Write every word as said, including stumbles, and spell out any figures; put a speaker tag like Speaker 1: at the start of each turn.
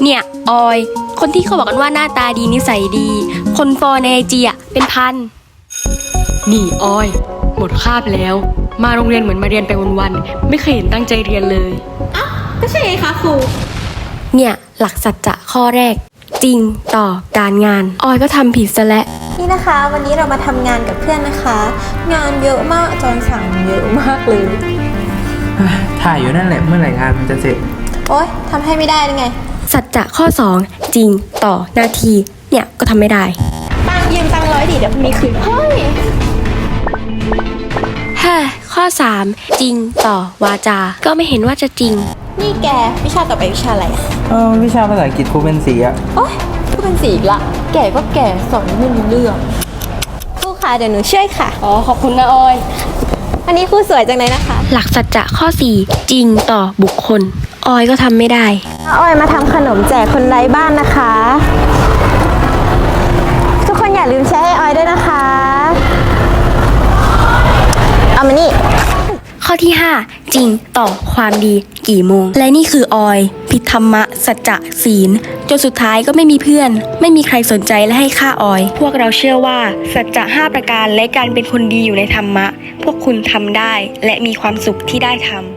Speaker 1: เนี่ยออยคนที่เขาบอกกันว่าหน้าตาดีนิสัยดีคนฟอลในไอจีอะเป็นพัน
Speaker 2: นี่ออยหมดคาบแล้วมาโรงเรียนเหมือนมาเรียนไปวันๆไม่เคยเห็นตั้งใจเรียนเลย
Speaker 3: อ้าวก็ใช่ไงคะครู
Speaker 1: เนี่ยหลักสัจจะข้อแรกจริงต่อการงานออยก็ทำผิดซะแล้ว
Speaker 3: นี่นะคะวันนี้เรามาทำงานกับเพื่อนนะคะ งานเยอะมากอาจารย์สั่งเยอะมากเลย
Speaker 4: ถ่ายอยู่นั่นแหละเมื่อไหร่งานมันจะเสร็จ
Speaker 3: โอ๊ยทำให้ไม่ได้ยังไง
Speaker 1: สัจจะข้อสองจริงต่อหน้าที่เนี่ยก็ทำไม่ได้
Speaker 3: ตังยืมตังร้อยดิเดี๋ยวมีคืนเฮ้ย
Speaker 1: ฮ่าข้อสามจริงต่อวาจาก็ไม่เห็นว่าจะจริง
Speaker 3: นี่แกวิชาต่อไปวิชาอะไรอ่ะ
Speaker 4: เออวิชาภาษาอังกฤษครูเป็นสีอะ
Speaker 3: โอ๊ยครูเป็นสีอีกละแก่ก็แก่สอนไม่รู้เรื่องครูค่ะเดี๋ยวหนูช่วยค่ะ
Speaker 2: อ๋อขอบคุณนะออย
Speaker 3: วันนี้ครูสวยจังเลยนะคะ
Speaker 1: หลักสัจจะข้อสี่จริงต่อบุคคลออยก็ทำไม่ได้
Speaker 3: ออยมาทำขนมแจกคนไร้บ้านนะคะทุกคนอย่าลืมแชร์ให้ออยด้วยนะคะเอามานี่
Speaker 1: ข้อที่ห้าจริงต่อความดีกี่โมงและนี่คือออยผิดธรรมะสัจจะศีลจนสุดท้ายก็ไม่มีเพื่อนไม่มีใครสนใจและให้ค่าออยพวกเราเชื่อว่าสัจจะห้าประการและการเป็นคนดีอยู่ในธรรมะพวกคุณทำได้และมีความสุขที่ได้ทำ